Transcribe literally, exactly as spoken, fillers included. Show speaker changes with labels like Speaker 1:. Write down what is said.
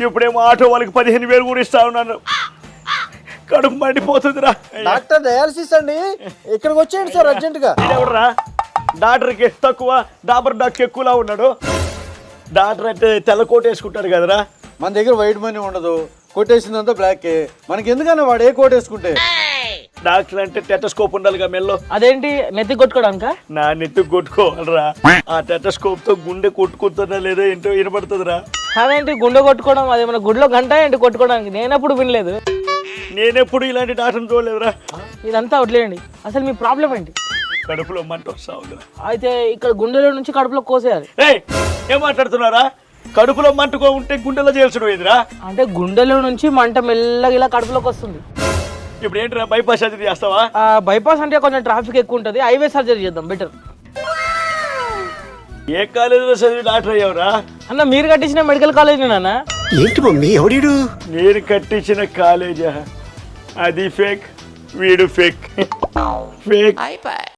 Speaker 1: ఇప్పుడేమో ఆటో వాళ్ళకి పదిహేను వేలు కూడా ఇస్తా ఉన్నాను. కడుపు మండిపోతుందిరా.
Speaker 2: డాక్టర్ డయాలసిస్ అండి, ఇక్కడికి వచ్చేయండి సార్ అర్జెంట్ గా.
Speaker 1: ఎవడరా డాక్టర్కి తక్కువ, డాబర్ డాక్టర్ ఎక్కువలా ఉన్నాడు. డాక్టర్ అంటే తెల్ల కోట్ వేసుకుంటాడు కదరా.
Speaker 2: మన దగ్గర వైట్ మనీ ఉండదు, కొట్టేసిందంతా బ్లాక్. మనకి ఎందుకన్నా వాడు ఏ కోట్ వేసుకుంటే.
Speaker 1: డాక్టర్ అంటే టెటస్కోప్ ఉండాలిగా మెల్లో.
Speaker 3: అదేంటి నెత్తి కొట్టుకోవడానిక?
Speaker 1: నా నెత్తి కొట్టుకోవాలరా. ఆ టెటస్కోప్ తో గుండె కొట్టుకుంటున్నా లేదో ఏంటో వినపడుతుందిరా.
Speaker 3: అదేంటి గుండె కొట్టుకోవడం? అది మన గుడిలో గంట ఏంటి కొట్టుకోవడానికి? నేనప్పుడు వినలేదు.
Speaker 1: నేనెప్పుడు ఇలాంటి డాక్టర్ని చూడలేదురా.
Speaker 3: ఇదంతా వదిలేయండి, అసలు మీ ప్రాబ్లం ఏంటి?
Speaker 1: కడుపులో మంట వస్తా ఉందిరా.
Speaker 3: అయితే ఇక్కడ గుండెలో నుంచి కడుపులో కోసేయాలి.
Speaker 1: ఏయ్ ఏం మాట్లాడుతున్నారా? కడుపులో మంటకో ఉంటే గుండెలో చేయాల్సిన పోయిందిరా.
Speaker 3: అంటే గుండెలో నుంచి మంట మెల్లగా ఇలా కడుపులోకి వస్తుంది.
Speaker 1: ఇప్పుడు ఏంటిరా బైపాస్ సర్జరీ చేస్తావా?
Speaker 3: బైపాస్ అంటే కొంచెం ట్రాఫిక్ ఎక్కువ ఉంటుంది, హైవే సర్జరీ చేద్దాం బెటర్.
Speaker 1: ఏ కాలేజీలో చదివి డాక్టర్ అయ్యావురా?
Speaker 3: అన్న మీరు కట్టించిన మెడికల్ కాలేజ్ నాన్న.
Speaker 4: ఏంటి మమ్మీ ఎవడీడు?
Speaker 1: నేను కట్టించిన కాలేజా? అది ఫేక్, వీడు ఫేక్. ఫేక్.